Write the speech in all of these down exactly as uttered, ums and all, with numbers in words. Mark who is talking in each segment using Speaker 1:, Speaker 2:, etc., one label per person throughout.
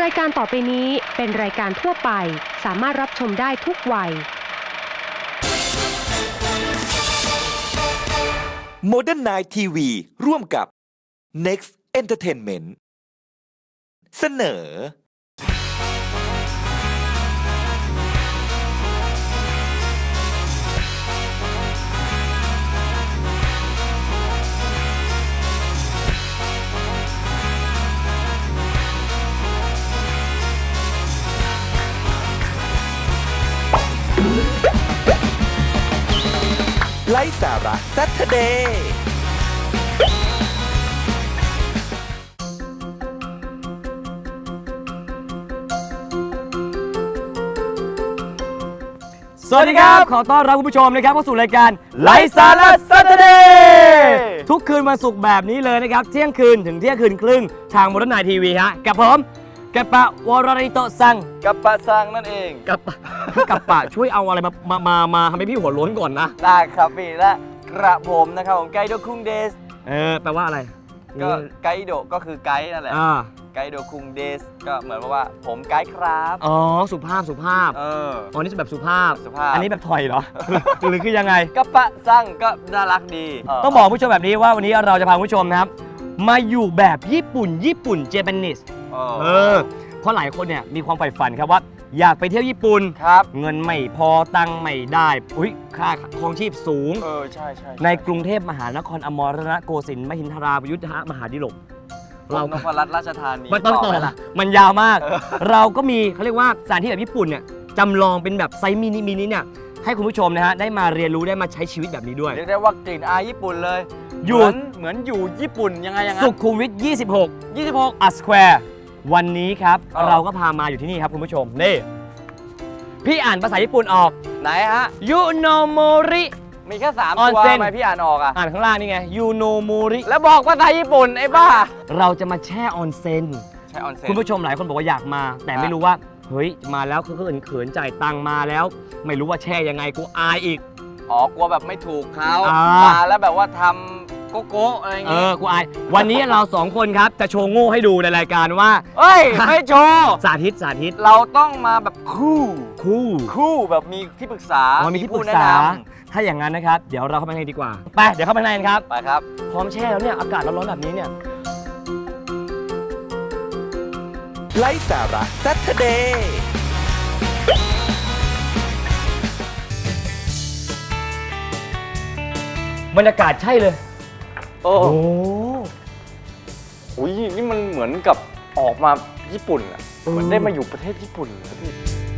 Speaker 1: ายการต่อไปนี้เป็นรายการทั่วไปสามารถรับชมได้ทุกวัย
Speaker 2: Modern Night ที วี ร่วมกับ Next Entertainment เสนอไลฟ์สาระ Saturday
Speaker 3: สวัสดีครับ ขอต้อนรับคุณผู้ชมนะครับเข้าสู่รายการไลฟ์สาระ Saturday ทุกคืนวันศุกร์แบบนี้เลยนะครับเที่ยงคืนถึงเที่ยงคืนครึ่งทาง Modern Night ที วี ฮะกับผมกัปปะวรริโตะซัง
Speaker 4: กัปปะซังนั่นเอง
Speaker 3: กัปปะกัปปะช่วยเอาอะไรมามามามาทำให้พี่หัวโล้นก่อนนะ
Speaker 4: ได้ครับพี่และกระผมนะครับผมไกโดคุงเดส
Speaker 3: เออแปลว่าอะไร
Speaker 4: ก็ไกโดก็คือไกด์นั่นแหละ
Speaker 3: อ่า
Speaker 4: ไกโดคุงเดสก็เหมือนว่าผมไกด์ครับ
Speaker 3: อ๋อสุภาพสุภาพ
Speaker 4: เออ
Speaker 3: อ๋อนี่แบบสุภาพ
Speaker 4: สุภาพ
Speaker 3: อันนี้แบบถอยเหรอ หรือคือยังไง
Speaker 4: กัปปะซังก็น่ารักดีเ
Speaker 3: ต้องบอกผู้ชมแบบนี้ว่าวันนี้เราจะพาผู้ชมนะครับมาอยู่แบบญี่ปุ่นญี่ปุ่นเจแปนิส
Speaker 4: เอ
Speaker 3: เอ
Speaker 4: อ
Speaker 3: อเพราะหลายคนเนี่ยมีความใฝ่ฝันครับว่าอยากไปเที่ยวญี่ปุ่น
Speaker 4: ครับ
Speaker 3: เงินไม่พอตังค์ไม่ได้อุ้ยค่าครองชีพสูง
Speaker 4: เออใช่ใช่
Speaker 3: ในกรุงเทพมหานครอมรณโกสินทร์มหินทรายุทธมหาดิลก
Speaker 4: เรา
Speaker 3: เรา
Speaker 4: นพรัตน์ราชธานี
Speaker 3: ไม่ต้องต่อ
Speaker 4: ไหมล่ะ
Speaker 3: มันยาวมาก
Speaker 4: เออ
Speaker 3: เราก็มีเขาเรียกว่าสถานที่แบบญี่ปุ่นเนี่ยจำลองเป็นแบบไซส์มินิมินิเนี่ยให้คุณผู้ชมนะฮะได้มาเรียนรู้ได้มาใช้ชีวิตแบบนี้ด้วย
Speaker 4: เรียกได้ว่ากลิ่นอายญี่ปุ่นเลย
Speaker 3: อยู่
Speaker 4: เหมือนเหมือนอยู่ญี่ปุ่นยังไงยังไง
Speaker 3: สุขุมวิทยี่สิบหก
Speaker 4: ยี่สิบหก
Speaker 3: อัสแควร์วันนี้ครับ
Speaker 4: เออ
Speaker 3: เราก็พามาอยู่ที่นี่ครับคุณผู้ชมนี่พี่อ่านภาษาญี่ปุ่นออก
Speaker 4: ไหนฮะ
Speaker 3: ยูโนโมริ
Speaker 4: มีแค่สาม
Speaker 3: ออน
Speaker 4: ตัว
Speaker 3: เซ็น
Speaker 4: ทำไมพี่อ่านออกอ่ะ
Speaker 3: อ่านข้างล่างนี่ไงยูโนโมริ
Speaker 4: แล้วบอกภาษาญี่ปุ่นไอ้บ้า
Speaker 3: เราจะมาแช่ออนเซ็น
Speaker 4: ใช่ออนเซ็น
Speaker 3: คุณผู้ชมหลายคนบอกว่าอยากมา แต่
Speaker 4: ครับ
Speaker 3: ไม่รู้ว่าเฮ้ยมาแล้วคือเขินเขินๆจ่ายตังค์มาแล้ว ไม่รู้ว่าแช่ยังไงกูอายอีก
Speaker 4: อ๋อกลัวแบบไม่ถูกเขา
Speaker 3: อ่าม
Speaker 4: มาแล้วแบบว่าทำโกโก้อะไรอย่าง
Speaker 3: เอ
Speaker 4: งี้
Speaker 3: อกูอายวันนี้เราสองคนครับจะโชว์โง่ให้ดูในรายการว่า
Speaker 4: เอ้ย ไม่โชว์
Speaker 3: สาธิตสาธิต
Speaker 4: เราต้องมาแบบคู่
Speaker 3: คู่
Speaker 4: คู่แบบมีที่ปรึกษา
Speaker 3: อ๋อมีที่ปรึกษา
Speaker 4: ผู้แนะน
Speaker 3: ถ้าอย่างนั้นนะครับเดี๋ยวเราเข้าไปในดีกว่าไปเดี๋ยวเข้าไปในกันครับ
Speaker 4: ำไปครับ
Speaker 3: พร้อมแช่แล้วเนี่ยอากาศร้อนๆแบบนี้เนี่ย
Speaker 2: ไลฟ์สาระ Saturday
Speaker 3: บรรยากาศใช่เลย
Speaker 4: โอ้
Speaker 3: โอ้
Speaker 4: โหนี่มันเหมือนกับออกมาญี่ปุ่นอ่ะ
Speaker 3: เออ
Speaker 4: เหมือนได้มาอยู่ประเทศญี่ปุ่นเลยพี่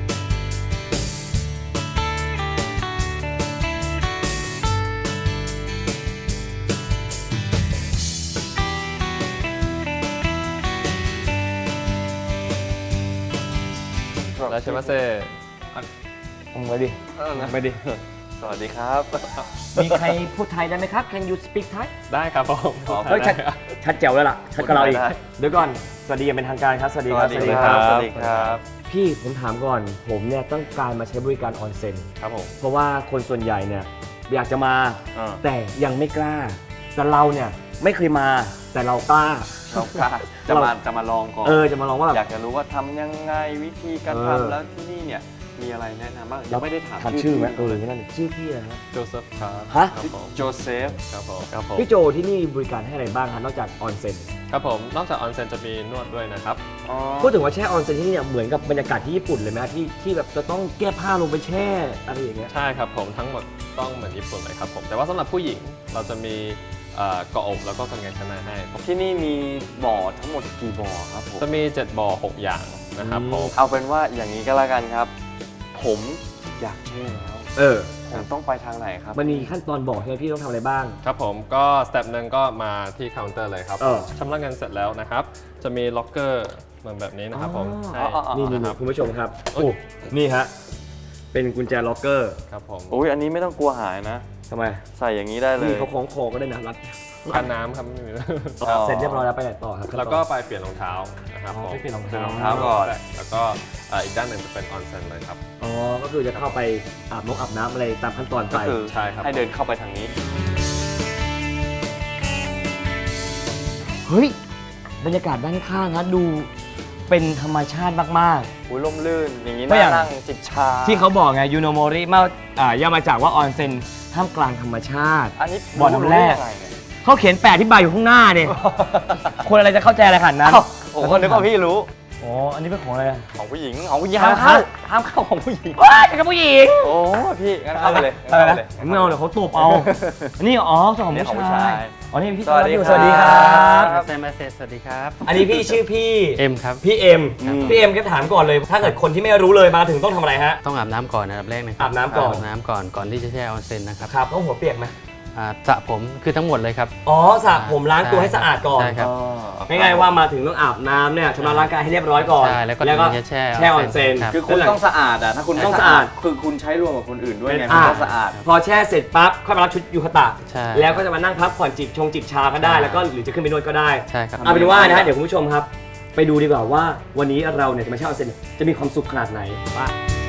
Speaker 5: いらっしゃいませ。
Speaker 3: เอาไว้ดิ
Speaker 4: เออนะ
Speaker 3: ไปดิ
Speaker 4: สวัสดีครับ
Speaker 3: มีใครพูดไทยได้ไหมครับ Can you speak Thai
Speaker 5: ได้ครับผม
Speaker 4: อ๋อ
Speaker 3: เฮ้ยชัดชัดแจ๋วแล้วล่ะชัดกับเราอีก
Speaker 4: ได้
Speaker 3: เดี๋ยวก่อนสวัสดีอย่างเป็นทางการครับสวัส
Speaker 4: ส
Speaker 3: ดีค
Speaker 4: วั
Speaker 3: รั
Speaker 4: ส
Speaker 3: บ
Speaker 4: ดีครับ สวัสดีครับ
Speaker 3: พี่ผมถามก่อนผมเนี่ยต้องการมาใช้บริการออนเซ็น
Speaker 5: ครับผม
Speaker 3: เพราะว่าคนส่วนใหญ่เนี่ยอยากจะมา
Speaker 4: อ่า
Speaker 3: แต่ยังไม่กล้า แต่เราเนี่ยไม่เคยมาแต่เรากล้า
Speaker 4: เรากล้าจะมาจะมาลองก่อน
Speaker 3: เออจะมาลองว่าแบบ
Speaker 4: อยากจะรู้ว่าทำยังไงวิธีการ
Speaker 3: เออ
Speaker 4: ทำแล้วที่นี่เนี่ยมีอะไรแนะนำบ้างยังไม่ได้ถาม
Speaker 3: ถามชื่อไหมเอ
Speaker 4: พี่
Speaker 3: อ
Speaker 4: เลย
Speaker 3: นั่นดิชื่อพี่อะไรฮะ
Speaker 5: โจเซฟครับ
Speaker 3: ฮะ
Speaker 5: ครับผม
Speaker 4: โจเซฟ
Speaker 5: ครับผม
Speaker 4: ครับผม
Speaker 3: พี่โจที่นี่บริการให้อะไรบ้างครับนอกจากออนเซ็น
Speaker 5: ครับผมนอกจากออนเซ็นจะมีนวดด้วยนะครับ
Speaker 4: อ๋อ
Speaker 3: พูดถึงว่าแช่ออนเซ็นที่นี่เนี่ยเหมือนกับบรรยากาศที่ญี่ปุ่นเลยไหมที่ที่แบบจะต้องแก้ผ้าลงไปแช่อะไรอย่างเงี้ย
Speaker 5: ใช่ครับผมทั้งหมดต้องเหมือนญี่ปุ่นเลยครับผมแต่ว่าสำหรับผู้หญิงเราจะมีเอ่อเกาะอกแล้วก็กางเกงชั้นในให้
Speaker 4: ที่นี่มีบ่อทั้งหมดกี่บ่อครับผม
Speaker 5: จะมีเจ็ดบ่อหกอย่างนะครับ
Speaker 3: อืม
Speaker 5: ผม
Speaker 4: เอาเป็นว่าอย่างนี้ก็แล้วกันครับ ผมอยากแช่แล้ว
Speaker 3: เออ
Speaker 4: ผมต้องไปทางไหนครับ
Speaker 3: มันมีขั้นตอนบอกใช่ไหมพี่ต้องทำอะไรบ้าง
Speaker 5: ครับผมก็สเต็ปหนึ่งก็มาที่เคาน์เตอร์เลยครับ
Speaker 3: เออ
Speaker 5: ชำระเงินเสร็จแล้วนะครับจะมีล็อกเกอร์เหมือนแบบนี้นะครับผม
Speaker 3: อ๋อ
Speaker 5: ให้
Speaker 3: นี่นี่
Speaker 5: นะค
Speaker 3: นี่
Speaker 5: รับ
Speaker 3: คุณผู้ชมครับ
Speaker 5: โอ้
Speaker 3: โอ้นี่ฮะเป็นกุญแจล็อกเกอร์
Speaker 5: ครับผม
Speaker 4: อุ้ยอันนี้ไม่ต้องกลัวหายนะ
Speaker 3: ทำไม
Speaker 4: ใส่อย่างนี้ได้เลย
Speaker 3: นี่เขาคล้องคอก็ได้นะรัด
Speaker 5: กันน้ำครับไม่มี
Speaker 4: อ๋อ
Speaker 3: เสร็จเรียบร้อยแล้วไปไหนต่อครับ
Speaker 5: แล้วก็ไปเปลี่ยนรองเท้านะครับ
Speaker 3: อ๋อ
Speaker 5: ผม
Speaker 3: ไปเปลี่ยนรองเท้า
Speaker 4: รองเท้าก่อน
Speaker 5: แล้วก็อ่าอีกด้านหนึ่งจะเป็นออนเซ็นเลยครับ
Speaker 3: อ๋อก็คือจะเข้าไปอาบน้ำอาบน้ำอะไรตามขั้นตอน
Speaker 4: ก็
Speaker 3: ไป
Speaker 4: คือ
Speaker 5: ใช่ครับ
Speaker 4: ให้เดินเข้าไปทางนี้
Speaker 3: เฮ้ยบรรยากาศด้านข้างนะดูเป็นธรรมชาติมาก
Speaker 4: อุ้ยร่มรื่นอย่างนี้
Speaker 3: ก็อย่าง
Speaker 4: น่านั่งจิบชา
Speaker 3: ๆ ที่เขาบอกไงยูโนโมริมาอ่าย่อมาจากว่าออนเซ็นท่ามกลางธรรมชาติ
Speaker 4: อันนี้
Speaker 3: บ่อน้ำแร่
Speaker 4: รู้ได้ยังไงเนี่ย
Speaker 3: เขาเขียนแปะที่ใบอยู่ข้างหน้าเนี่ย คนอะไรจะเข้าใจอะไรขนาดนั้น
Speaker 4: เอ้าผมก็นึกว่าพี่รู้
Speaker 3: อ๋ออันนี้เป็นของอะไรอะ
Speaker 4: ของผู้หญิงของผู้หญิงห้ามเข้าห้ามเข้าของผู้หญิง
Speaker 3: ว้ายเป็นกับผู้หญิง
Speaker 4: โอ้พี่งั้นเข้าไปเลย
Speaker 3: อะไร
Speaker 4: งั้น
Speaker 3: นะ
Speaker 4: เข้าไปเลย
Speaker 3: ไม่เอาเดี๋ยวเขาตบเอาอันนี้อ๋อส่วนของ
Speaker 4: อันนี้ของผู้
Speaker 3: ผู้ชา
Speaker 4: ชาย ย
Speaker 3: อ๋อนี่พี่
Speaker 4: สวัสดี
Speaker 3: สวัสดีครั
Speaker 4: ครับ บ
Speaker 6: เซมาเซสวัสดีครับ
Speaker 3: อันนี้พี่ชื่อพี่
Speaker 6: เอ็มครับ
Speaker 3: พี่เอ็มพี่เอ็มก็ถามก่อนเลย ถ้าเกิดคนที่ไม่รู้เลยมาถึงต้องทำอะไรฮะ
Speaker 6: ต้องอาบน้ำก่อนอันดับแรกนะครั
Speaker 3: อาบน้ำก่อน
Speaker 6: อาบน้ำก่อนก่อนที่จะแช่ออนเซ็นนะครับ
Speaker 3: ครับต้องหัวเปียกไหม
Speaker 6: อ่าสระผมคือทั้งหมดเลยครับ
Speaker 3: อ๋อสระผมล้างตัวให้สะอาดก่อน
Speaker 6: ใช่ครับ
Speaker 3: ไม่ง่ายว่ามาถึงต้องอาบน้ำเนี่ยชำระร่างกายให้เรียบร้อยก่อน
Speaker 6: ใช่แล้วก็
Speaker 3: แล้วก็
Speaker 6: ถึงจะแช่
Speaker 3: แช่ออนเซ็น
Speaker 6: ครับ
Speaker 4: คือคุณต้องสะอาดอ่ะถ้าคุณ
Speaker 3: ต้องสะอาด
Speaker 4: คือคุณใช้รวมกับคนอื่นด้วยไง
Speaker 3: อ่า
Speaker 4: มันต้องสะอาด
Speaker 3: พอแช่เสร็จปั๊บค่อยมารับชุดยูคาตะ
Speaker 6: ใช่
Speaker 3: แล้วก็จะมานั่งพักผ่อนจิบชงจิบชาก็ได้
Speaker 6: ใช่
Speaker 3: แล้วก็หรือจะขึ้นไปนวดก็ได้
Speaker 6: ใช่ครับ
Speaker 3: เอาเป็นว่านะฮะเดี๋ยวคุณผู้ชมครับ ไปดูดีกว่าว่าวันนี้เราเนี่ยจะมาเช่าออนเซ็นจะมีความสุขขนาดไหนว่า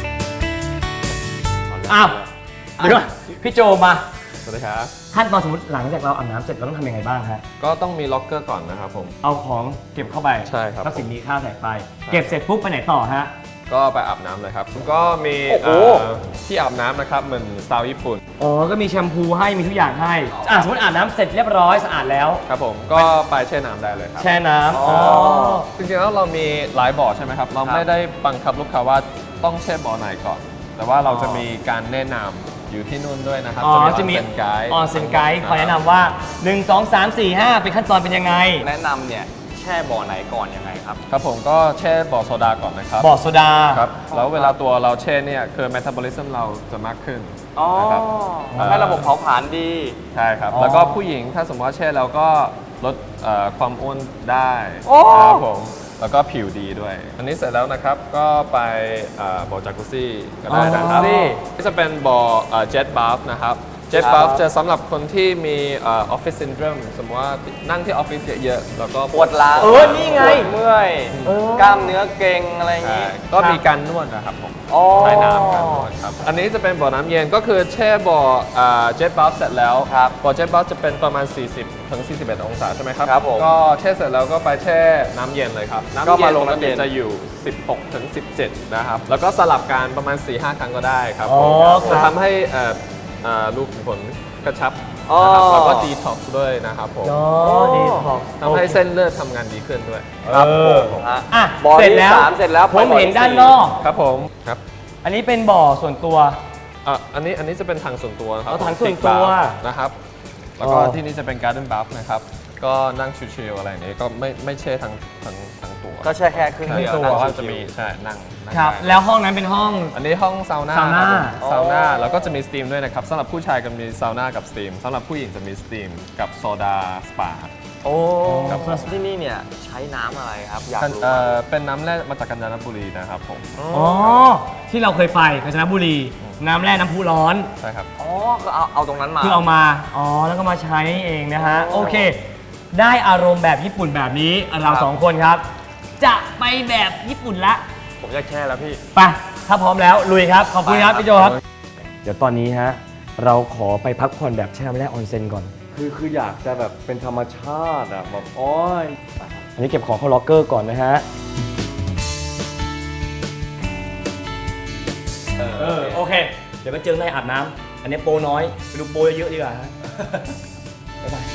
Speaker 3: อ้าวเดี๋ยวก่อนพี่โจมา
Speaker 5: สวัสดีครับ
Speaker 3: ขั้นตอนสมมติหลังจากเราอาบน้ำเสร็จเราต้องทำยังไงบ้างฮะ
Speaker 5: ก็ต้องมีล็อกเกอร์ก่อนนะครับผม
Speaker 3: เอาของเก็บเข้าไป
Speaker 5: ใช่ครับ
Speaker 3: ทรัพย์สินมีค่าใส่ไป เก็บเสร็จปุ๊บไปไหนต่อฮะ
Speaker 5: ก็ไปอาบน้ำเลยครับ ก็มี
Speaker 4: โอ้โห
Speaker 5: เอ่อที่อาบน้ำนะครับเหมือนสไตล์ญี่ปุ่น
Speaker 3: อ๋อก็มีแชมพูให้มีทุกอย่างให้อ่ะสมมติอาบน้ำเสร็จเรียบร้อยสะอาดแล้ว
Speaker 5: ครับผมก็ไปแช่น้ำได้เลยครับ
Speaker 3: แช่น้ำอ๋อ
Speaker 5: จริงๆแล้วเรามีหลายบ่อใช่ไหมครับ เราไม่ได้บังคับลูกค้าว่าต้องแช่บ่อไหนก่อน แต่ว่าเราจะมีการแนะนำอยู่ที่นู่นด้วยนะครับ
Speaker 3: อ๋อจะมี
Speaker 5: ออนเซ็นไกด์
Speaker 3: ออนเซ็นไกด์คอยแนะนำว่าหนึ่ง สอง สาม สี่ ห้าเป็นขั้นตอนเป็นยังไง
Speaker 4: แนะนำเนี่ยแช่บ่อไหนก่อนยังไงครับ
Speaker 5: ครับผมก็แช่บ่อโซดาก่อนนะครับ
Speaker 3: บ่อโซดา
Speaker 5: ครับแล้วเวลาตัวเราแช่เนี่ยคือเมตาบอลิซึมเราจะมากขึ้น
Speaker 4: อ๋อ
Speaker 5: นะครับ
Speaker 4: ทำให้ระบบเผาผลาญดี
Speaker 5: ใช่ครับ
Speaker 3: อ๋อ
Speaker 5: แล้วก็ผู้หญิงถ้าสมมติว่าแช่แล้วก็ลดเอ่อความอ้วนได้
Speaker 4: โอ้
Speaker 5: ครับผมแล้วก็ผิวดีด้วย อันนี้เสร็จแล้วนะครับก็ไปเอ่อบ่อจากุซี่ก็ได้นะครับ
Speaker 3: อ๋อ
Speaker 5: นี่จะเป็นบ่อเจ็ตบัฟนะครับเจ็ตบัฟจะสำหรับคนที่มีออฟฟิศซินโดรมสมมติว่านั่งที่ออฟฟิศเยอะๆแล้วก็
Speaker 4: ปวดหลัง
Speaker 3: เออนี่ไง
Speaker 4: ปวดเมื่อย
Speaker 3: เออ
Speaker 4: กล้ามเนื้อเกร็งอะไรอย่าง
Speaker 5: ใช่
Speaker 4: งี้
Speaker 5: ก็มีการนวดนะครับผม
Speaker 4: อ๋อ
Speaker 5: ใช้น้ำการนวดครับ อันนี้จะเป็นบ่อน้ำเย็นก็คือแช่บ่อเจ็ตบัฟเสร็จแล้ว
Speaker 4: ครับ
Speaker 5: บ่อเจ็ตบัฟจะเป็นประมาณ สี่สิบถึงสี่สิบเอ็ด องศาใช่ไหมครับ
Speaker 4: ครับผม
Speaker 5: ก็แช่เสร็จแล้วก็ไปแช่น้ำเย็นเลยครับ น้ำ
Speaker 4: ก็
Speaker 5: เย็
Speaker 4: มาน ลง
Speaker 5: ปก
Speaker 4: น้ำเย็
Speaker 5: ติ
Speaker 4: น
Speaker 5: จะอยู่ สิบหกถึงสิบเจ็ด นะครับ แล้วก็สลับกันประมาณ สี่ห้า ครั้งก็ได้ครับ
Speaker 3: อ๋อ
Speaker 5: ผม
Speaker 3: ครับ
Speaker 5: จะทำให้เอ่อเอ่อลูกขุมขนกระชับ
Speaker 4: อ๋อ
Speaker 5: นะครับแล้วก็ดีท็อกซ์ด้วยนะครับผม
Speaker 3: อ๋อดีของ
Speaker 5: ทำให้เส้นเลือดทำงานดีขึ้นด้วย
Speaker 3: ครับผม
Speaker 4: ฮะ
Speaker 3: อ่ะ
Speaker 4: บ่อ
Speaker 3: เสร็จ
Speaker 4: ที่
Speaker 3: แล้ว
Speaker 4: สามเสร็จแล้ว
Speaker 3: ผม
Speaker 4: ไปบ่อ
Speaker 3: เห็น
Speaker 4: ที่
Speaker 3: ด้าน
Speaker 4: สี่
Speaker 3: นอก
Speaker 5: ครับผมครับ
Speaker 3: อันนี้เป็นบ่อส่วนตัว
Speaker 5: อ่ะอันนี้อันนี้จะเป็นทางส่วนตัวนะครับ
Speaker 3: อ๋อทาง
Speaker 5: ผม
Speaker 3: ส่วนตัว
Speaker 5: Big Bath นะครับ แล้วก็
Speaker 3: อ๋อ
Speaker 5: ที่นี่จะเป็น Garden Bath นะครับ ก็นั่งชิลๆอะไรอย่างนี้ก็ไม่ไม่เช่ทั้งทั้งทั้งตัว
Speaker 4: ก็แช่แค่ครึ่ง
Speaker 5: ใช่
Speaker 4: เดียว
Speaker 5: ตัว
Speaker 4: นั่ง
Speaker 5: ก็
Speaker 4: ชิวๆ
Speaker 5: จะมีใช่นั่งนั่ง
Speaker 3: ครับ
Speaker 5: ได้
Speaker 3: แล้วห้องนั้นเป็นห้อง
Speaker 5: อันนี้ห้องซาวน่า
Speaker 3: ซาวน่า
Speaker 5: ครับผมซาวน่า
Speaker 4: อ๋อ
Speaker 5: แล้วก็จะมีสตรีมด้วยนะครับสำหรับผู้ชายก็มีซาวน่ากับสตรีมสำหรับผู้หญิงจะมีสตรีมกับโซดาสปา
Speaker 4: โอ้
Speaker 5: ครับ
Speaker 4: ที่นี่เนี่ยใช้น้ำอะไรครับ อยากรู้
Speaker 5: เอ่อเป็นน้ำแร่มาจากกาญจนบุรีนะครับผม
Speaker 3: อ๋อ ที่เราเคยไปกาญจนบุรี น้ำแร่น้ำพุร้อน
Speaker 5: ใช่ครับ
Speaker 4: อ๋อก็เอาเอาตรงนั้นมา
Speaker 3: คือเอามา อ๋อ แล้วก็มาใช้เองนะฮะ โอเค ได้อารมณ์แบบญี่ปุ่นแบบนี้ เราสองคนครับ จะไปแบบญี่ปุ่นละ
Speaker 4: ผมอยากแช่แล้วพี่
Speaker 3: ไป ถ้าพร้อมแล้วลุยครับ ขอบคุณครับ
Speaker 4: ไปครับ
Speaker 3: พี่โจครับ เดี๋ยวตอนนี้ฮะ เราขอไปพักผ่อนแบบแช่น้ำแร่ออนเซ็นก่อน
Speaker 4: คือคืออยากจะแบบเป็นธรรมชาติอ่ะแบบโอ้ย
Speaker 3: อันนี้เก็บของเข้าล็อกเกอร์ก่อนนะฮะ เออ โอเค เดี๋ยวไปเจอในอาบน้ำ อันนี้โปรน้อย ไปดูโปรเยอะๆดีกว่าฮะ บ๊ายบาย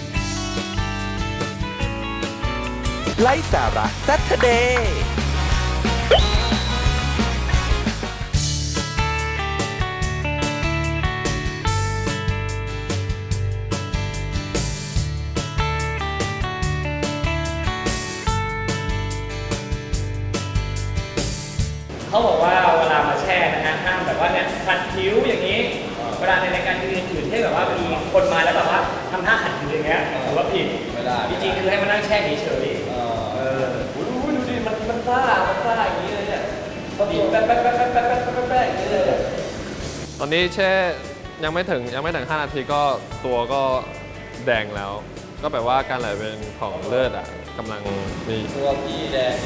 Speaker 2: ไลฟ์สาระ Saturday
Speaker 3: เขาบอกว่าเวลามาแช่นะฮะห้ามแบบว่าเนี่ยขัดผิวอย่างนี้ เวลาในรายการอื่นๆที่แบบว่ามีคนมาแล้วแบบว่าทำท่าขัดผิวอย่างเงี้ยถือว่าผิดไม่ได้จริงๆคือให้มานั่งแช่เฉยๆเออดูดูดิมันมันซ่ามันซ่าอย่างนี้เลยเนี่ยบีบแป๊บแป๊บแป๊บแป๊บแป๊บแป๊บแป๊บแป๊บอย่างนี้เลย
Speaker 5: ตอนนี้แช่ยังไม่ถึงยังไม่ถึงห้านาทีก็ตัวก็แดงแล้ว ก็แปลว่าการไหลเวียนของเลือดอ่ะกำลังมี
Speaker 4: ตัวพี่แดง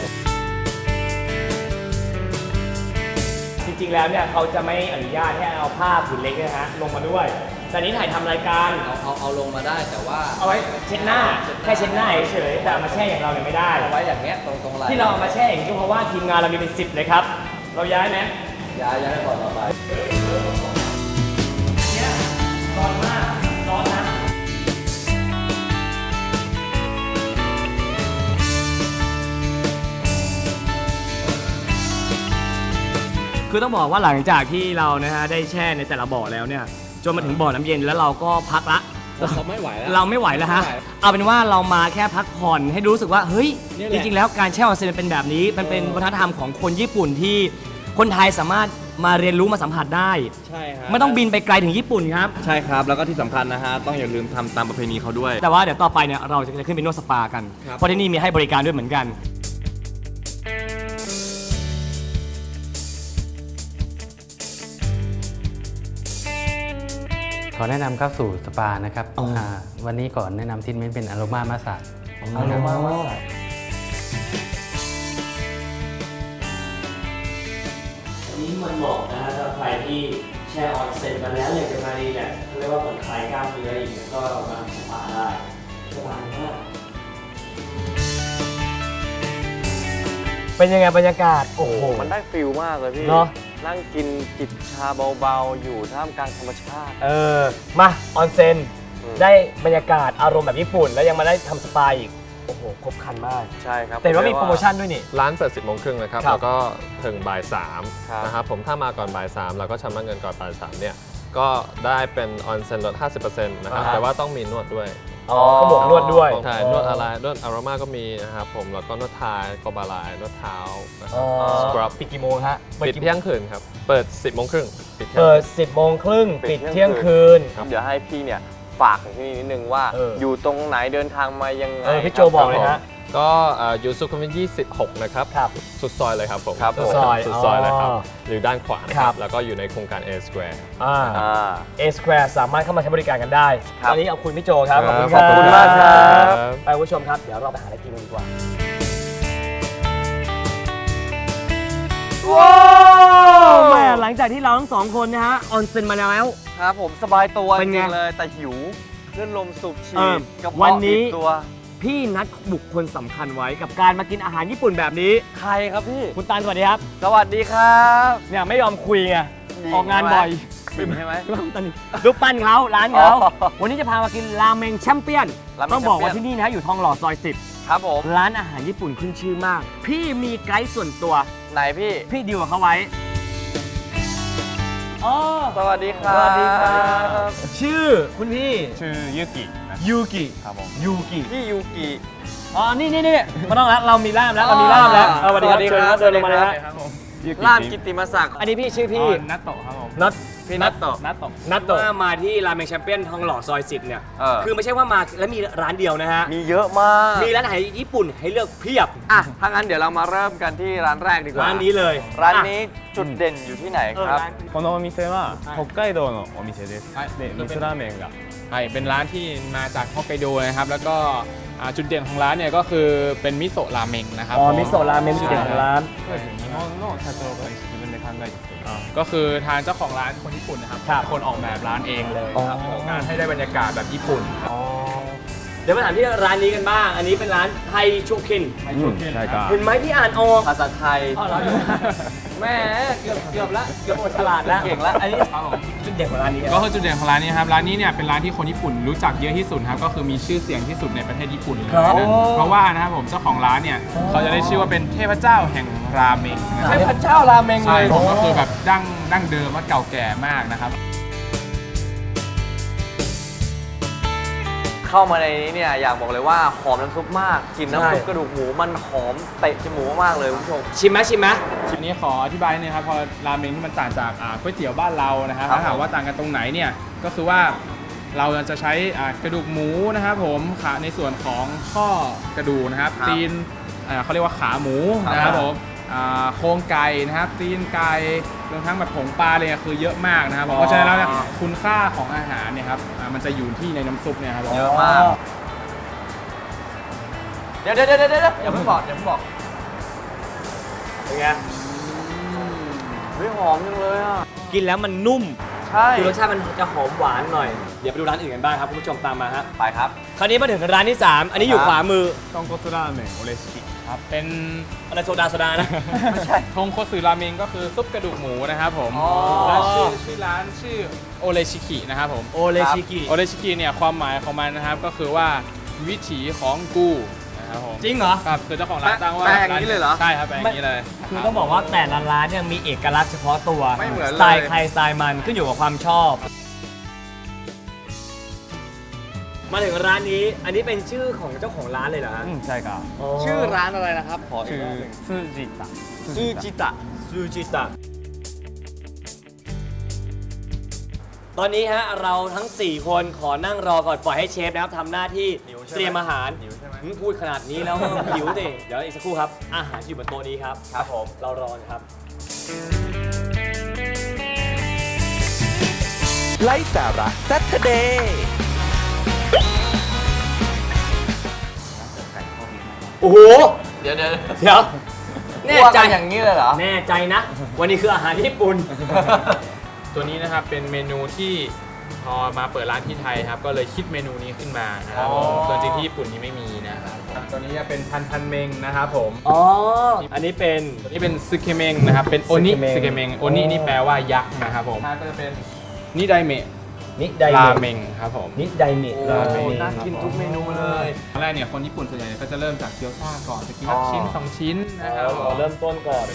Speaker 3: จริงๆแล้วเนี่ยเขาจะไม่อนุญาตให้เอาผ้าผืนเล็กนะฮะลงมาด้วยแต่นี้ถ่ายทำรายการ
Speaker 7: เอาเอาเอาลงมาได้แต่ว่า
Speaker 3: เอาไว้เช็ดหน้าแค่เช็ดหน้าเฉยๆแต่เอามาแช่อย่างเราเนี่ยไม่ได้
Speaker 7: เอาไว้อย่างเงี้ยตรงตรงไหล่
Speaker 3: ที่เราเอามาแช่อย่างนี้ก็เพราะว่าทีมงานเรามีเป็นสิบเลยครับ เราย้ายไหม
Speaker 7: ย้ายย้ายก่อนต่อไป
Speaker 3: เนี่ยร้อนมากร้อนนะคือต้องบอกว่าหลังจากที่เรานะฮะได้แช่ในแต่ละบ่อแล้วเนี่ยจนมาถึงบ่อน้ำเย็นแล้วเราก็พักละ
Speaker 7: เราไม่ไหวแล้ว
Speaker 3: เราไม่ไหวแล้วฮะ
Speaker 7: ไม่ไหว
Speaker 3: เอาเป็นว่าเรามาแค่พักผ่อนให้รู้สึกว่าเฮ้ย
Speaker 7: นี่แห
Speaker 3: จ
Speaker 7: ละ
Speaker 3: ริงๆแล้วการแช่ออนเซ็นมันเป็นแบบนี้มันเป็นวัฒนธรรมของคนญี่ปุ่นที่คนไทยสามารถมาเรียนรู้มาสัมผัสได้
Speaker 4: ใช่ครับ
Speaker 3: ไม่ต้องบินไปไกลถึงญี่ปุ่นครับ
Speaker 4: ใช่ครับ แล้วก็ที่สำคัญนะฮะ ต้องอย่าลืมทำตามประเพณีเขาด้วย
Speaker 3: แต่ว่าเดี๋ยวต่อไปเนี่ยเราจะขึ้นไปนวดสปากัน
Speaker 4: ครับ
Speaker 3: เพราะที่นี่มีให้บริการด้วยเหมือนกัน
Speaker 6: ขอแนะนำเข้าสู่สปานะครับ
Speaker 3: อ๋ออ่
Speaker 6: าวันนี้ก่อนแนะนำทรีทเมนต์เป็นอโรมามาสซาจ
Speaker 3: อารมามาสนี้มันเหมาะนะฮะสำหรับใครที่แช่ออนเซ็นมาแล้วอยากจะมารีแลกซ์เรียกว่าผ่อนคลายกล้ามเนื้ออย่างเงี้ยก็มาสปาได้สบายมากเป็นยังไงบรรยากาศโอ้โห
Speaker 4: มันได้ฟิลมากเลยพี่
Speaker 3: เนอะ
Speaker 4: นั่งกินจิบชาเบาๆ อยู่ท่ามกลางธรรมชาติ
Speaker 3: เออมาออนเซ็น
Speaker 4: อืม
Speaker 3: ได้บรรยากาศอารมณ์แบบญี่ปุ่น แล้วยังมาได้ทำสปาอีกโอ้โหครบครันมาก
Speaker 4: ใช่ครับ
Speaker 3: แต่ว่ามีโปรโมชั่นด้วยนี่
Speaker 5: ร้านเปิดสิบโมงครึ่งนะครับ
Speaker 3: ครับ
Speaker 5: แล้วก็ถึงบ่ายสาม
Speaker 4: ครับ
Speaker 5: นะครับผมถ้ามาก่อนบ่ายสามเราก็ชำระเงินก่อนบ่ายสามเนี่ยก็ได้เป็นออนเซ็นลด ห้าสิบเปอร์เซ็นต์ นะครับ
Speaker 3: อ่าฮะ
Speaker 5: แต่ว่าต้องมีนวดด้วย
Speaker 3: อ๋อก็บวกนวดด้วย
Speaker 5: ใช่นวดอะไรนวดอารามาก็มีนะครับผมแล้วก็นวดไทยโกบาลายนวดเท้านะค
Speaker 3: อ๋
Speaker 5: รั
Speaker 3: อบ
Speaker 5: สครับ
Speaker 3: ปิดกี่โมงฮะ
Speaker 5: ปิดเที่ยงคืนครับ เปิด สิบโมงครึ่งปิดเที่ยง
Speaker 3: เปิ
Speaker 5: คื
Speaker 3: ด
Speaker 5: น
Speaker 3: สิบโมงครึ่ง
Speaker 4: ปิ
Speaker 3: ปิ
Speaker 4: ด
Speaker 3: ด
Speaker 4: เที่
Speaker 3: เที่ย
Speaker 4: ย
Speaker 3: ง
Speaker 4: งคื
Speaker 3: คืน
Speaker 4: เดี๋ยวให้พี่เนี่ยฝากถึงที่นี่นิดนึงว่า
Speaker 3: เออ
Speaker 4: อยู่ตรงไหนเดินทางมายังไง
Speaker 3: เออพี่โจ
Speaker 4: ครับ
Speaker 3: บอกเลยฮะ
Speaker 5: ก็เอ่ออยู่สุขุมวิทยี่สิบหกนะครับ
Speaker 3: ครับ
Speaker 5: สุดซอยเลยครับผม
Speaker 4: ครับผม
Speaker 3: สุดซอย
Speaker 5: สุดซอยเลยครับ
Speaker 3: อ๋อ
Speaker 5: หรือด้านขวานะค
Speaker 3: ครั
Speaker 5: รับ บแล้วก็อยู่ในโครงการ A Square
Speaker 3: อ่า
Speaker 4: อ่า
Speaker 3: เอสแควร์สามารถเข้ามาใช้บริการกันได้
Speaker 4: ครับ
Speaker 3: ตอนนี้เอาคุณพี่โจครับ ขอบคุณ
Speaker 5: ขอบคุณ
Speaker 3: รั
Speaker 4: มากครับ
Speaker 3: ไปคุณผู้ชมครับ เดี๋ยวเราไปหาอะไรกินกันดีกว่า ว้าวแม่หลังจากที่เราทั้งสองคนนะฮะออนเซ็นมาแล้ว
Speaker 4: ครับผมสบายตัว
Speaker 3: เป็น
Speaker 4: จ
Speaker 3: ไง
Speaker 4: ริงๆเลยแต่หิวเลื่อนลมสูบฉี
Speaker 3: เออ
Speaker 4: ดกระ
Speaker 3: วัน
Speaker 4: เพาะ
Speaker 3: นี้
Speaker 4: ติดตัว
Speaker 3: พี่นัดบุคคลสำคัญไว้กับการมากินอาหารญี่ปุ่นแบบนี้
Speaker 4: ใครครับพี่
Speaker 3: คุณตาลสวัสดีครับ
Speaker 4: สวัสดีครับ
Speaker 3: เนี่ยไม่ยอมคุยไง
Speaker 4: ดี
Speaker 3: ออกงานบ่อย
Speaker 4: บิมใช่ไหม
Speaker 3: รูปปั้นรูปปั้นเขาร้านเขา
Speaker 4: อ๋อ
Speaker 3: วันนี้จะพามากินราเมงแชมเปี้ยน
Speaker 4: ราเมง
Speaker 3: ต้องบอกว่า
Speaker 4: แชมเปี้ยน
Speaker 3: ที่นี่นะอยู่ทองหล่อซอยสิบ
Speaker 4: ครับผม
Speaker 3: ร้านอาหารญี่ปุ่นขึ้นชื่อมาก พี่มีไกด์ส่วนตัว
Speaker 4: ไหนพี่
Speaker 3: พี่ดีลกับเขาไว้อ๋อ
Speaker 4: สวัสดีครับ
Speaker 3: สวัสดีครับ ชื่อคุณพี่
Speaker 8: ชื่อยูกิ
Speaker 3: ยูกิ
Speaker 8: ครับผม
Speaker 3: ยูกิ
Speaker 4: พี่ยูกิ
Speaker 3: อ๋อ นี่นี่นี่ไม่ต้องแล้ว เรามีล่ามแล้ว เรามีล่ามแล้ว
Speaker 4: อ๋อ
Speaker 3: เออสวัสดีครับ
Speaker 4: สวัสดีครับ
Speaker 3: เชิญเดินลงมาเลยฮะ
Speaker 8: ครับผม
Speaker 4: ล่ามกิตติมศักดิ์
Speaker 3: อันนี้พี่ชื่อ
Speaker 8: พี่
Speaker 3: พี่
Speaker 8: นัตโตะครับผม
Speaker 3: น็อต
Speaker 4: พี่นัตโตะ
Speaker 8: นัตโตะ
Speaker 3: นัดว่ามาที่ราเมงแชมเปี้ยนทองหล่อซอยสิบเนี่ย
Speaker 4: เออ
Speaker 3: คือไม่ใช่ว่ามาแล้วมีร้านเดียวนะฮะ
Speaker 4: มีเยอะมาก
Speaker 3: มีร้านอาหารญี่ปุ่นให้เลือกเพียบ
Speaker 4: อ่ะถ้างั้นเดี๋ยวเรามาเริ่มกันที่ร้านแรกดีกว่า
Speaker 3: ร้านนี้เลย
Speaker 4: ร้านนี้จุดเด่นอยู่ที่ไหน
Speaker 3: เออ
Speaker 4: ครับ
Speaker 3: ร้าน
Speaker 8: このお店は北海道のお店ですで味噌ラーメンが
Speaker 9: ใช่เป็นร้านที่มาจากฮอกไกโดนะครับ แล้วก็อ่าจุดเด่นของร้านเนี่ยก็คือเป็นมิโซะราเมงนะครับ
Speaker 3: อ๋อ
Speaker 9: ผ
Speaker 3: มิโซะราเมงจุดเด่นของร้าน
Speaker 8: そうですね日本の社長が自分で考えて作りました
Speaker 9: ก็คือทางเจ้าของร้านคนญี่ปุ่นนะครับ
Speaker 3: ครับ
Speaker 9: เป็นคนออกแบบร้านเองเลย
Speaker 3: อ๋อ
Speaker 9: ครับของการให้ได้บรรยากาศแบบญี่ปุ่นครับ
Speaker 3: อ๋อเดี๋ยวมาถามที่ร้านนี้กันบ้าง อันนี้เป็นร้านไทชูคิน
Speaker 8: ใช่ครับ
Speaker 3: เห็นไหมที่อ่านออก
Speaker 4: ภาษาไทย
Speaker 3: อ๋อเหรอแม่เกือบเกือบละเกือบหมดฉลาดแล้ว
Speaker 4: เก่งละ
Speaker 3: อันนี้
Speaker 9: ครับผม
Speaker 3: จุดเด่นของร้านนี้
Speaker 9: ก็คือจุดเด่นของร้านนี้ครับร้านนี้เนี่ยเป็นร้านที่คนญี่ปุ่นรู้จักเยอะที่สุดครับก็คือมีชื่อเสียงที่สุดในประเทศญี่ปุ่นเลย
Speaker 3: ครับ
Speaker 9: นะเพราะว่านะครับผมเจ้าของร้านเนี่ยเขาจะได้ชื่อว่าเป็นเทพเจ้าแห่งราเมงนะค
Speaker 3: เท
Speaker 9: รับ
Speaker 3: พเจ้าราเมงเล
Speaker 9: ใช่
Speaker 3: ย
Speaker 9: ผมก็คือแบบดั้งดั้งเดิมว่าเก่าแก่มากนะครับ
Speaker 4: เข้ามาในนี้เนี่ยอยากบอกเลยว่าหอมน้ำซุปมากกลินน้ำซุป
Speaker 3: ใช่
Speaker 4: กระดูกหมูมันหอมเตะจมูกมากๆเลยคุณผู้ชม
Speaker 3: ชิมไหมชิมไหม
Speaker 9: ทีนี้ขออธิบายนิดนึงครับพอราเมงที่มันต่างจากอ่าก๋วยเตี๋ยวบ้านเรานะครับ
Speaker 4: ครับ
Speaker 9: ถ้าถามว่าต่างกันตรงไหนเนี่ยก็คือว่าเราจะใช้อ่ากระดูกหมูนะครับผมขาในส่วนของข้อกระดูกนะครับ
Speaker 4: ครับ
Speaker 9: ตีนอ่าเขาเรียกว่าขาหมู
Speaker 4: ครับ
Speaker 9: นะครับผมอ่าโครงไก่นะครับตีนไก่รวมทั้งแบบผงปลาเลยคือเยอะมากนะครับผมเพราะฉะนั้นแล้วเนี่ยคุณค่าของอาหารเนี่ยครับอ่ามันจะอยู่ที่ในน้ำซุปเนี่ยครับผม
Speaker 4: เยอะมาก เดี๋ยวเดี๋ยวเดี๋ยวเดี๋ยวอย่าเพิ่งบอกอย่าเพิ่งบอก
Speaker 3: เป็นไง
Speaker 4: เฮ้ยหอมจังเลยอ่ะ
Speaker 3: กินแล้วมันนุ่ม
Speaker 4: ใช่ใช่
Speaker 3: คือรสชาติมันจะหอมหวานหน่อย เดี๋ยวไปดูร้านอื่นกันบ้างครับคุณผู้ชมตามมาฮะ
Speaker 4: ไปครับ
Speaker 3: คราวนี้มาถึงร้านที่สามอันนี้อยู่ขวามือ
Speaker 8: 豚骨ラーメンオレシキ
Speaker 9: ครับเป็น
Speaker 3: อะไรโซดาโซดานะ
Speaker 4: ไม่ใช่
Speaker 9: ทงโคสึราเมงก็คือซุปกระดูกหมูนะครับผม
Speaker 3: อ๋อ
Speaker 9: และชื่อชื่อร้านชื่อโอเลชิกินะครับผม
Speaker 3: โอเลชิกิ
Speaker 9: โอเลชิกิเนี่ยความหมายของมันนะครับก็คือว่าวิถีของกูนะครับผม
Speaker 3: จริงเหรอ
Speaker 9: ครับคือเจ้าของร้านตั้งว่า
Speaker 4: แปลอย่างนี้เลยเหรอ
Speaker 9: ใช่ครับแปลอย่างนี้เลย
Speaker 3: คือต้องบอกว่าแต่ละร้านเนี่ยมีเอกลักษณ์เฉพาะตัว
Speaker 4: ไม่เหมือนเลย
Speaker 3: สไตล์ใครสไตล์มันขึ้นอยู่กับความชอบ มาถึงร้านนี้อันนี้เป็นชื่อของเจ้าของร้านเลยเหรอฮะ
Speaker 8: うんใช่ครับ
Speaker 4: ชื่อร้านอะไรนะครับ ขออีก
Speaker 8: ชื่อ
Speaker 4: รอบหนึ่ง
Speaker 8: ซูจิตะ
Speaker 3: ซูจิตะซูจิตะ ตอนนี้ฮะเราทั้ง สี่ คนขอนั่งรอก่อนปล่อยให้เชฟนะครับทำหน้าที่เตรียมอาหารหืมพูดขนาดนี้แล้วหิวดิเดี๋ยวอีกสักครู่ครับ อาหารอยู่บนโต๊ะนี้ครับครับผมเรารอนะครับ
Speaker 2: ไลฟ์สาระ Saturday
Speaker 3: โอ้โห
Speaker 4: เดี๋ยวเดี๋ยว
Speaker 3: เดี๋ยวแน่ใจ
Speaker 4: คั่วกันอย่างนี้เลยเหรอ
Speaker 3: แน่ใจนะ วันนี้คืออาหารญี่ปุ่น
Speaker 9: ตัวนี้นะครับเป็นเมนูที่พอมาเปิดร้านที่ไทยครับก็เลยคิดเมนูนี้ขึ้นมานะครับผม
Speaker 3: อ๋อ
Speaker 9: ส่วนจริงที่ญี่ปุ่นนี้ไม่มีนะครับตัวนี้จะเป็นทันทันเมงนะครับผม
Speaker 3: อ๋อ อันนี้เป็น
Speaker 9: ตัวนี้เป็นซึเคเมงนะครับเป็นโอนิ
Speaker 3: ซึ
Speaker 9: ซึ
Speaker 3: เค
Speaker 9: เค
Speaker 3: เม
Speaker 9: เม
Speaker 3: ง
Speaker 9: งโอนินี่แปลว่ายักษ์นะครับผมก็จะเป็นนิไดเมะ
Speaker 3: นิได
Speaker 9: รา
Speaker 3: เม
Speaker 9: เม
Speaker 3: ง
Speaker 9: งครับผม
Speaker 3: นิไดเมะราเมง
Speaker 4: น่ากินทุกเมนูเลย
Speaker 9: ตอนแรกเนี่ยคนญี่ปุ่นส่วนใหญ่ก็จะเริ่มจากเกี๊ยวซ่าก่อนจะกิน
Speaker 4: อ๋อ
Speaker 9: ชิ้นสองชิ้นนะครับผม
Speaker 3: เริ่มต้นก่อน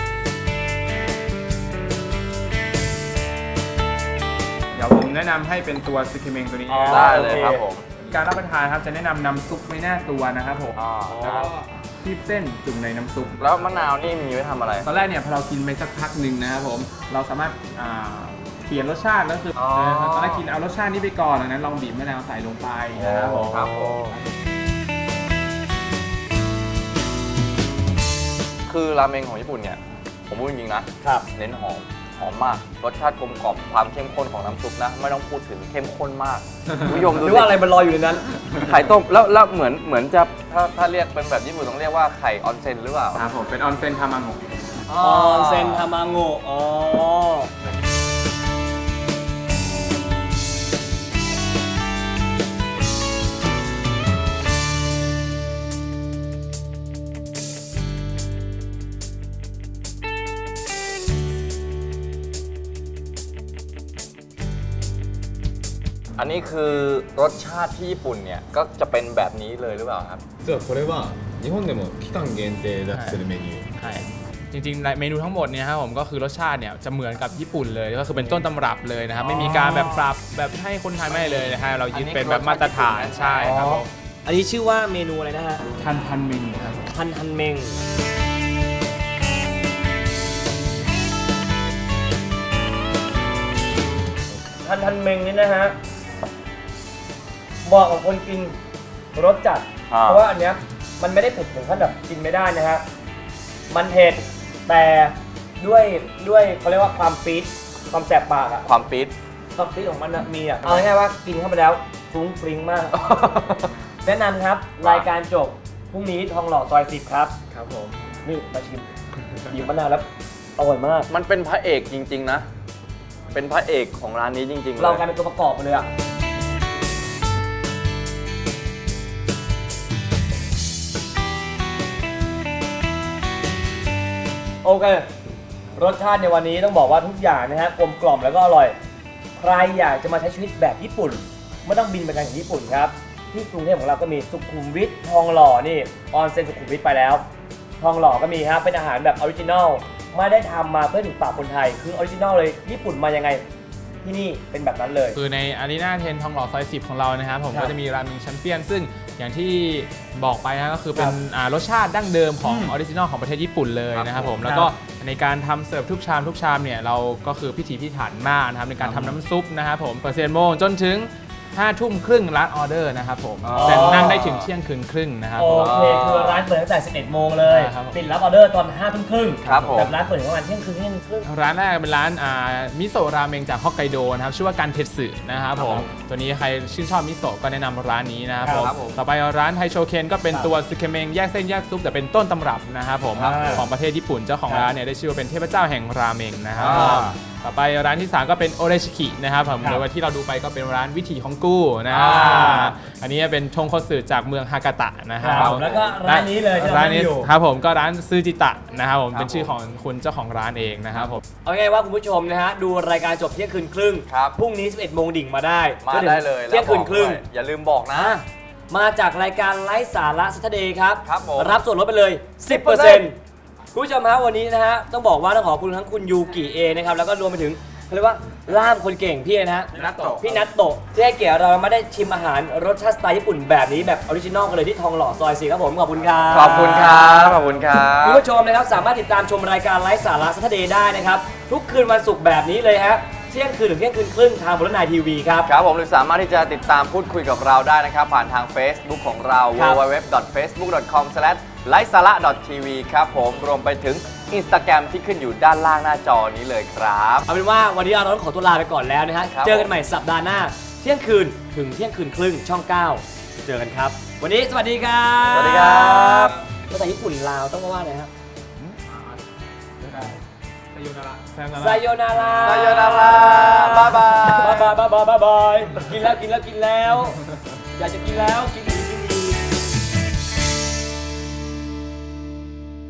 Speaker 9: เดี๋ยวผมแนะนำให้เป็นตัวซึเคเมงตัวนี้
Speaker 3: อ๋อ
Speaker 4: ได้เลยครับผม
Speaker 9: การรับประทานครับจะแนะนำน้ำซุปไม่แน่ตัวนะครับผม
Speaker 4: อ๋อ
Speaker 9: แล้วก็คีบเส้นจุ่มในน้ำซุป
Speaker 4: แล้วมะนาวนี่มีไว้ทำอะไร
Speaker 9: ตอนแรกเนี่ยพอเรากินไปสักพักหนึ่งนะครับผมเราสามารถอ่าเปลี่ยนรสชาติก็คืออ
Speaker 4: อ
Speaker 9: เออตอนแรกกินเอารสชาตินี้ไปก่อนดังนั้นลองบีบมะนาวใส่ลงไปนะครับผม
Speaker 4: ครับผมคือราเมงของญี่ปุ่นเนี่ย ผมพูดจริงๆนะ
Speaker 3: ครับ
Speaker 4: เน้นหอม หอมมาก รสชาติกลมกล่อม ความเข้มข้นของน้ำซุปนะ ไม่ต้องพูดถึงเข้มข้นมากคุณผู้ชม
Speaker 3: ห
Speaker 4: ดู
Speaker 3: รือ
Speaker 4: สิ
Speaker 3: ว่าอะไรมันลอยอยู่ในนั้น
Speaker 4: ไข่ต้ม แล้วแล้วเหมือนเหมือนจะถ้าถ้าเรียกเป็นแบบญี่ปุ่นต้องเรียกว่าไข่ออนเซ็นหรือเปล่า
Speaker 9: ครับผมเป็นออนเซนทามังโงะ
Speaker 3: ออนเซนทามาโงะอ๋อ
Speaker 4: อันนี้คือรสชาติที่ญี่ปุ่นเนี่ย ก็จะเป็นแบบนี้เลยหรือเปล่าครับ
Speaker 8: 実はこれは日本でも期間限定出してるメニュー
Speaker 9: ใช่จริงๆเมนูทั้งหมดเนี่ยครับผมก็คือรสชาติเนี่ยจะเหมือนกับญี่ปุ่นเลยก็คือเป็นต้นตำรับเลยนะครับไม่มีการแบบปรับแบบให้คนไทยไม่เลยนะฮะเรายึดเป็นแบบมาตรฐานใช่ครับผม
Speaker 3: อันนี้ชื่อว่าเมนูอะไรนะฮะ
Speaker 9: ทันทันเมงครับ
Speaker 3: ทันทันเมง ทันทันเมงนี่นะฮะเหมาะกับคนกินรสจัด
Speaker 4: อ่า
Speaker 3: เพราะว่าอันเนี้ยมันไม่ได้เผ็ดถึงขั้นแบบกินไม่ได้นะฮะ มันเผ็ดแต่ด้วยด้วยเขาเรียกว่าความปี๊ดความแสบปากอะ
Speaker 4: ความปี๊ด
Speaker 3: ความปี๊ดของมันนะมีอะเอาง่ายๆว่ากินเข้าไปแล้วฟรุ้งฟริ้งมาก แนะนำครับรายการจบพรุ่งนี้ทองหล่อซอยสิบครับ
Speaker 9: ครับผม
Speaker 3: นี่มาชิมบีบมะนาวแล้วอร่อยมาก
Speaker 4: มันเป็นพระเอกจริง ๆ นะ เป็นพระเอกของร้านนี้จริงๆ
Speaker 3: เรา
Speaker 4: เลย
Speaker 3: กลายเป็นตัวประกอบไปเลยอะโอเค รสชาติในวันนี้ต้องบอกว่าทุกอย่างนะฮะกลมกล่อมแล้วก็อร่อย ใครอยากจะมาใช้ชีวิตแบบญี่ปุ่นไม่ต้องบินไปกันถึงญี่ปุ่นครับ ที่กรุงเทพของเราก็มีสุขุมวิททองหล่อนี่ออนเซ็นสุขุมวิทไปแล้ว ทองหล่อก็มีครับเป็นอาหารแบบออริจินอลไม่ได้ทำมาเพื่อถูกปากคนไทยคือออริจินอลเลยญี่ปุ่นมายังไงที่นี่เป็นแบบนั้นเลย
Speaker 9: คือในอารีนาเทนทองหล่อซอยสิบของเรานะครับผม
Speaker 3: ครับ
Speaker 9: ก็จะมีราเมงแชมเปี้ยนซึ่งอย่างที่บอกไปนะก็คือเป็น
Speaker 3: ครับ
Speaker 9: อ่ารสชาติดั้งเดิมของ
Speaker 3: อืม
Speaker 9: ออริจินอลของประเทศญี่ปุ่นเลยนะครับผม
Speaker 3: ครับ
Speaker 9: แล้วก็ในการทำเสิร์ฟทุกชามทุกชามเนี่ยเราก็คือพิถีพิถันมากนะครับในการทำน้ำซุปนะครับผมเปิดสิบเอ็ดโมงจนถึงห้าทุ่มครึ่งร้านออเดอร์นะครับผม
Speaker 3: อ๋อ
Speaker 9: แต่นั่งได้ถึงเที่ยงคืนครึ่งนะครับ
Speaker 3: โอ
Speaker 9: ผม
Speaker 3: เคคือร้านเปิดตั้งแต่สิบเอ็ดโมงเลย
Speaker 9: ครับผม
Speaker 3: ปิดรับออเดอร์ตอนห้าทุ่มครึ่ง
Speaker 4: ครับผม
Speaker 3: แบบร้านเปิดถึงประมาณเที่ยงคืนเที่ยงครึ่ง
Speaker 9: ร้านแรกเป็นร้านอ่ามิโซะราเมงจากฮอกไกโดนะครับชื่อว่ากันเทสึนะครับผมตัวนี้ใครชื่นชอบมิโซะก็แนะนำร้านนี้นะครับผม
Speaker 4: ครับผม
Speaker 9: ต่อไปร้านไทโชเคนก็เป็น
Speaker 3: ครับ
Speaker 9: ตัวซึเคเมงแยกเส้นแยกซุปแต่เป็นต้นตำรับนะครับผม
Speaker 3: ครับ
Speaker 9: ของประเทศญี่ปุ่นเจ้าของ
Speaker 3: ครับ
Speaker 9: ร้านเนี่ยได้ชื่อว่าเป็นเทพเจ้าแห่งราเมงนะครับ
Speaker 4: อ่า
Speaker 9: ผต่อไปร้านที่สามก็เป็นโอเรชิคินะครับผม
Speaker 3: ครับ
Speaker 9: โดยว่าที่เราดูไปก็เป็นร้านวิถีของกู้นะ
Speaker 3: อ่า
Speaker 9: อันนี้เป็นทงคัตสึจากเมืองฮากาตะนะครับ
Speaker 3: แล้วก็ร้านนี้เลยที่เรา
Speaker 9: ร้านนี้
Speaker 3: นั่งอยู่
Speaker 9: ครับผมก็ร้านซูจิตะนะครับผม
Speaker 4: ครับ
Speaker 9: เป็นชื่อของคุณเจ้าของร้านเองนะครับผม
Speaker 3: เอาไงายว่าคุณผู้ชมนะฮะดูรายการจบเที่ยงคืนครึ่ง
Speaker 4: ครับ
Speaker 3: พรุ่งนี้สิบเอ็ดโมงดิ่งมาได้
Speaker 4: มา
Speaker 3: จนถึง
Speaker 4: ได้เลย
Speaker 3: เที่ยงคืนครึ่ง
Speaker 4: แล้วบอกด้วยอย่าลืมบอกนะ
Speaker 3: อ่ะมาจากรายการไลฟ์สาระซัตเดย์ครับ
Speaker 4: ครับผม
Speaker 3: รับส่วนลดไปเลย สิบเปอร์เซ็นต์ คุณผู้ชมฮะวันนี้นะฮะต้องบอกว่าต้องขอบคุณทั้งคุณยูกิเอนะครับแล้วก็รวมไปถึงเขาเรียกว่าล่ามคนเก่งพี่นะฮะ
Speaker 9: นัตโตะ
Speaker 3: พี่นัตโตะที่ให้เกียรติเรามาได้ชิมอาหารรสชาติสไตล์ญี่ปุ่นแบบนี้แบบออริจินอลกันเลยที่ทองหล่อซอยสี่ครับผมขอบคุณครับ
Speaker 4: ขอบคุณครับขอบคุณครับ
Speaker 3: คุณผู้ชมนะครับสามารถติดตามชมรายการไลฟ์สาระซัตเดย์ได้นะครับทุกคืนวันศุกร์แบบนี้เลยฮะเที่ยงคืนถึงเที่ยงคืนครึ่งทางบนนายทีวีครับ
Speaker 4: ครับผมหรือสามารถที่จะติดตามพูดคุยกับเราได้นะครับ ผ่านทาง Facebook ของเรา
Speaker 3: ครับ
Speaker 4: ดับเบิลยู ดับเบิลยู ดับเบิลยู ดอท เฟซบุ๊ก ดอท คอม สแลช ไลฟ์สาระ ดอท ทีวี ครับผมรวมไปถึง Instagram ที่ขึ้นอยู่ด้านล่างหน้าจอนี้เลยครับ
Speaker 3: เอาเป็นว่าวันนี้เราต้องขอตัวลาไปก่อนแล้วนะฮะ
Speaker 4: ครับ
Speaker 3: เจอกันใหม่สัปดาห์หน้า เที่ยงคืนถึงเที่ยงคืนครึ่งช่องเก้าเจอกันครับ วันนี้สวัสดีครับ
Speaker 4: สวัสดีครับ
Speaker 3: ภาษาญี่ปุ่นลาวต้องมาว่าอะไรครับ
Speaker 9: ไซโยนาระ
Speaker 3: ไซโยนารา
Speaker 4: ไซโยนาราบ๊ายบาย
Speaker 3: บายบายบายบายบายบายกินแล้วกินแล้วกินแล้ว อยากจะกินแล้วกิน